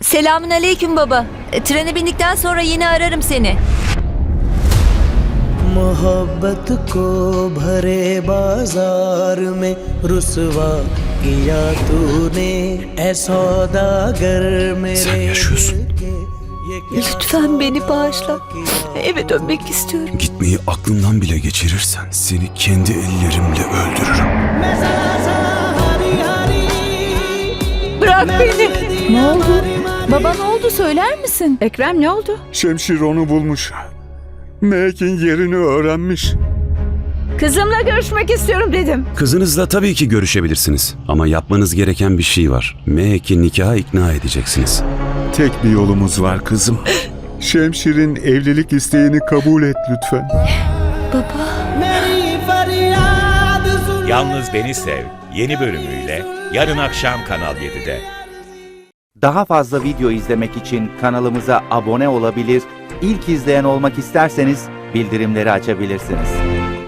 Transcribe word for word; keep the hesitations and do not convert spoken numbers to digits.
Selamün aleyküm baba. E, trene bindikten sonra yine ararım seni. मोहब्बत को भरे बाजार में रुसवा किया तूने ऐ सौदागर मेरे Sen yaşıyorsun. Lütfen beni bağışla. Eve dönmek istiyorum. Gitmeyi aklından bile geçirirsen seni kendi ellerimle öldürürüm. Bırak beni. Ne oldu? Baba ne oldu söyler misin? Ekrem ne oldu? Şemşir onu bulmuş. Mehek'in yerini öğrenmiş. Kızımla görüşmek istiyorum dedim. Kızınızla tabii ki görüşebilirsiniz. Ama yapmanız gereken bir şey var. Mehek'i nikaha ikna edeceksiniz. Tek bir yolumuz var kızım. Şemşir'in evlilik isteğini kabul et lütfen. Yalnız Beni Sev yeni bölümüyle yarın akşam Kanal yedide. Daha fazla video izlemek için kanalımıza abone olabilir, ilk izleyen olmak isterseniz bildirimleri açabilirsiniz.